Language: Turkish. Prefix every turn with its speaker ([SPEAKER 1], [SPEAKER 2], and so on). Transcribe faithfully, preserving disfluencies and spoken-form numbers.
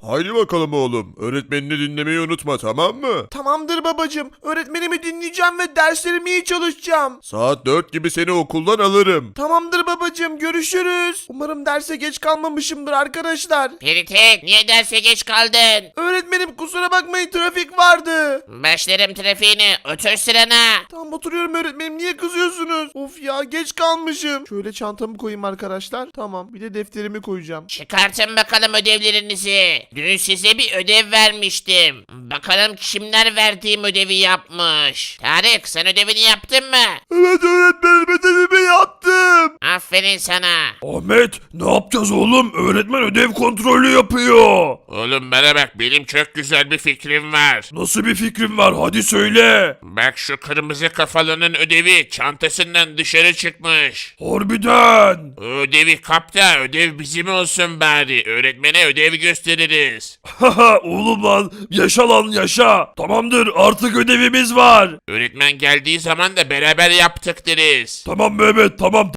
[SPEAKER 1] Haydi bakalım oğlum. Öğretmenini dinlemeyi unutma, tamam mı?
[SPEAKER 2] Tamamdır babacım. Öğretmenimi dinleyeceğim ve derslerimi iyi çalışacağım.
[SPEAKER 1] Saat dört gibi seni okuldan alırım.
[SPEAKER 2] Tamamdır babacım, görüşürüz. Umarım derse geç kalmamışımdır arkadaşlar.
[SPEAKER 3] Peritek, niye derse geç kaldın?
[SPEAKER 2] Öğretmenim kusura bakmayın, trafik vardı.
[SPEAKER 3] Başlarım trafiğini, otur sırana.
[SPEAKER 2] Tamam oturuyorum öğretmenim, niye kızıyorsunuz? Of ya, geç kalmışım. Şöyle çantamı koyayım arkadaşlar. Tamam, bir de defterimi koyacağım.
[SPEAKER 3] Çıkartın bakalım ödevlerinizi. Dün size bir ödev vermiştim. Bakalım kimler verdiğim ödevi yapmış. Tarık, sen ödevini yaptın mı?
[SPEAKER 2] Evet öğretmenim, ödevimi yaptım.
[SPEAKER 3] Aferin sana.
[SPEAKER 1] Ahmet, ne yapacağız oğlum? Öğretmen ödev kontrolü yapıyor.
[SPEAKER 4] Oğlum bana bak, benim çok güzel bir fikrim var.
[SPEAKER 1] Nasıl bir fikrin var? Hadi söyle.
[SPEAKER 4] Bak, şu kırmızı kafalının ödevi çantasından dışarı çıkmış.
[SPEAKER 1] Harbiden.
[SPEAKER 4] O ödevi kap da ödev bizim olsun bari. Öğretmene ödev gösteririz.
[SPEAKER 1] Haha oğlum lan, yaşa lan yaşa. Tamamdır, artık ödevimiz var.
[SPEAKER 4] Öğretmen geldiği zaman da beraber yaptık deriz.
[SPEAKER 1] Tamam Mehmet, tamam.